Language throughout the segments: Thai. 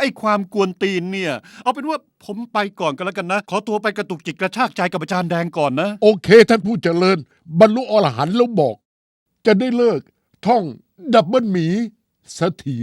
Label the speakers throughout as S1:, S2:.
S1: อ้ความกวนตีนเนี่ยเอาเป็นว่าผมไปก่อนกันแล้วกันนะขอตัวไปกระตุกจิตกระชากใจกับอาจารย์แดงก่อนนะ
S2: โอเคท่านผู้เจริญบรรลุอรหันต์แล้วบอก จะได้เลิกท่องดับเบิลหมีสักที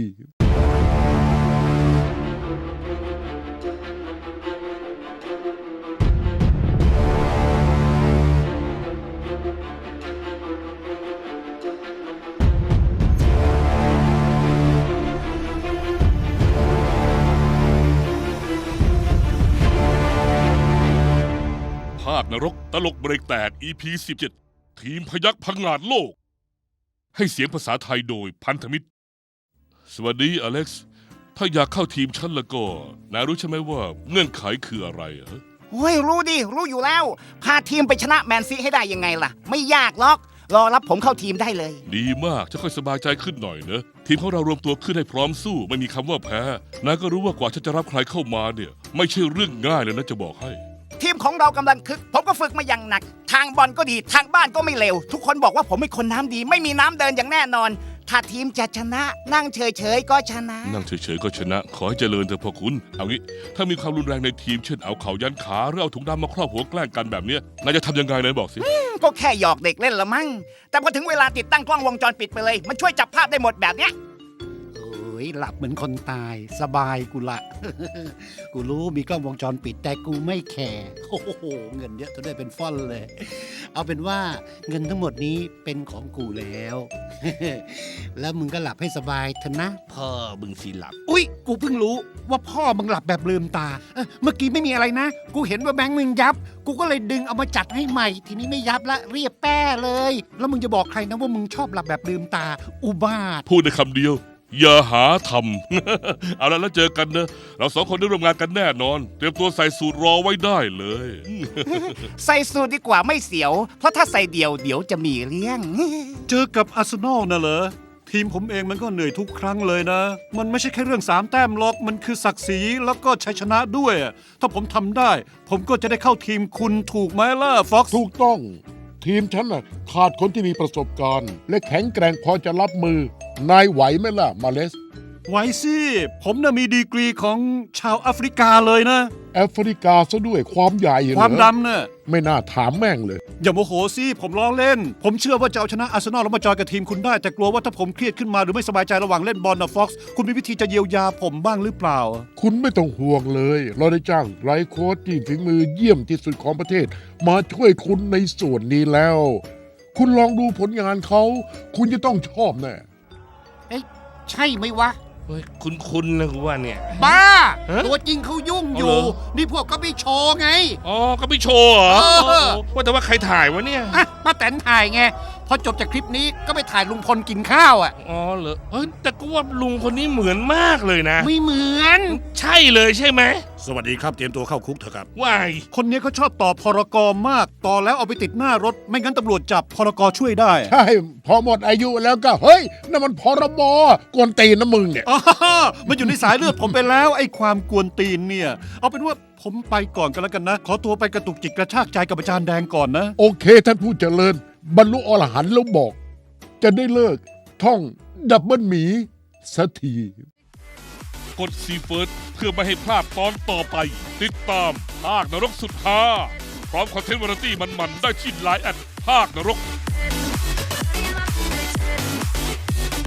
S3: ภาคนรกตลกเบรกแตก EP 17 ทีมพยัคฆ์พังงาดโลก ให้เสียงภาษาไทยโดยพันธมิตร สวัสดีอเล็กซ์ ถ้าอยากเข้าทีมฉันแล้วก็นายรู้ใช่ไหมว่าเงื่อนไขคืออะไรเหรอ
S4: เฮ้ยรู้ดิรู้อยู่แล้วพาทีมไปชนะแมนซีให้ได้ยังไงล่ะไม่ยากหรอกรอรับผมเข้าทีมได้เลย
S3: ดีมากจะค่อยสบายใจขึ้นหน่อยนะทีมของเรารวมตัวขึ้นให้พร้อมสู้ไม่มีคำว่าแพ้นายก็รู้ว่ากว่าฉันจะรับใครเข้ามาเนี่ยไม่ใช่เรื่องง่ายเลยนะจะบอกให้
S4: ทีมของเรากำลังคึกผมก็ฝึกมาอย่างหนักทางบอลก็ดีทางบ้านก็ไม่เลวทุกคนบอกว่าผมเป็นคนน้ำดีไม่มีน้ำเดินอย่างแน่นอนถ้าทีมจะชนะนั่งเฉยๆก็ชนะ
S3: นั่งเฉยๆก็ชนะขอให้เจริญเถอะพ่อคุณเอางี้ถ้ามีความรุนแรงในทีมเช่นเอาเข่ายันขาหรือเอาถุงดำมาครอบหัวแกล้งกันแบบเนี้ยนายจะทำยังไงนายบอกสิ
S4: ก็แค่หยอกเด็กเล่นละมั้งแต่พอถึงเวลาติดตั้งกล้องวงจรปิดไปเลยมันช่วยจับภาพได้หมดแบบเนี้ย
S1: หลับเหมือนคนตายสบายกูละ กูรู้มีกล้องวงจรปิดแต่กูไม่แคร์โอ้โหเงินเยอะจนได้เป็นฟ่อนเลย เอาเป็นว่าเงินทั้งหมดนี้เป็นของกูแล้ว แล้วมึงก็หลับให้สบายเถอะนะ
S3: พ่อมึงสิหลับ
S1: อุ๊ยกูเพิ่งรู้ว่าพ่อมึงหลับแบบลืมตาเมื่อกี้ไม่มีอะไรนะกูเห็นว่าแบงค์มึงยับกูก็เลยดึงเอามาจัดให้ใหม่ทีนี้ไม่ยับละเรียบแป้เลยแล้วมึงจะบอกใครนะว่ามึงชอบหลับแบบลืมตาอุบาท
S3: พูดในคำเดียวอย่าหาทำ เอาละแล้วเจอกันนะเราสองคนได้ร่วมงานกันแน่นอนเตรียมตัวใส่สูตรรอไว้ได้เลย
S4: ใส่สูตรดีกว่าไม่เสียวเพราะถ้าใส่เดี่ยวจะมีเรื่อง
S1: เจอกับอาร์เซนอลน่ะเหรอทีมผมเองมันก็เหนื่อยทุกครั้งเลยนะมันไม่ใช่แค่เรื่อง3แต้มหรอกมันคือศักดิ์ศรีแล้วก็ชัยชนะด้วยถ้าผมทำได้ผมก็จะได้เข้าทีมคุณถูกไหมล่ะฟ็อกซ์
S2: ถูกต้องทีมฉันน่ะขาดคนที่มีประสบการณ์และแข็งแกร่งพอจะรับมือนายไหวไหมล่ะมาเลส
S1: ไหวสิผมน่ะมีดีกรีของชาวแอฟริกาเลยนะ
S2: แอฟริกาซะด้วยความใหญ่
S1: ความดำน่ะ
S2: ไม่น่าถามแม่งเลย
S1: อย่าโมโหสิผมล้อเล่นผมเชื่อว่าจะเอาชนะอาร์เซนอลแล้วมาจอยกับทีมคุณได้แต่กลัวว่าถ้าผมเครียดขึ้นมาหรือไม่สบายใจระหว่างเล่นบอลนะฟ็อกซ์คุณมีวิธีจะเยียวยาผมบ้างหรือเปล่า
S2: คุณไม่ต้องห่วงเลยเราได้จ้างไลฟ์โค้ชที่ฝีมือเยี่ยมที่สุดของประเทศมาช่วยคุณในส่วนนี้แล้วคุณลองดูผลงานเขาคุณจะต้องชอบแน่
S4: ใช่ไหมวะ
S3: เฮ้ยคุณนะกูว่าเนี่ย
S4: บ้าตัวจริงเขายุ่งอยู่นี่พวกก็ไปโชว์ไง
S3: อ๋อก็ไปโชว์เหรอว่าแต่ว่าใครถ่ายวะเนี่ย
S4: ป้าแตนถ่ายไงพอจบจากคลิปนี้ก็ไปถ่ายลุงพลกินข้าว
S3: อ๋อเหรอแต่กูว่าลุงคนนี้เหมือนมากเลยนะ
S4: ไม่เหมือน
S3: ใช่เลยใช่ไหม
S1: สวัสดีครับเตรียมตัวเข้าคุกเถอะครับ
S3: ว้าย
S1: คนนี้เขาชอบต่อพรกมากต่อแล้วเอาไปติดหน้ารถไม่งั้นตำรวจจับพรกช่วยได้
S2: ใช่พอหมดอายุแล้วก็เฮ้ยนั่นมันพรบกวนตีนนะมึงเนี่ย
S1: มันอยู่ในสายเลือดผมไปแล้วไอ้ความกวนตีนเนี่ยเอาเป็นว่าผมไปก่อนกันแล้วกันนะขอตัวไปกระตุกจิตกระชากใจกับอาจารย์แดงก่อนนะ
S2: โอเคท่านผู้เจริญบรรลุอรหันต์แล้วบอก จะได้เลิกท่องดับเบิลหมีสักที
S3: กดซีเฟิร์สเพื่อไม่ให้พลาดตอนต่อไปติดตามภาคนรกสุดฮาพร้อมคอนเทนต์วาไรตี้มันๆได้ที่ไลน์แอดภาคนรก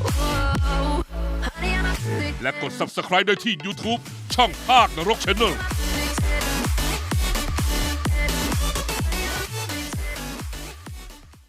S3: และกด Subscribe ได้ที่ YouTube ช่องภาคนรก Channel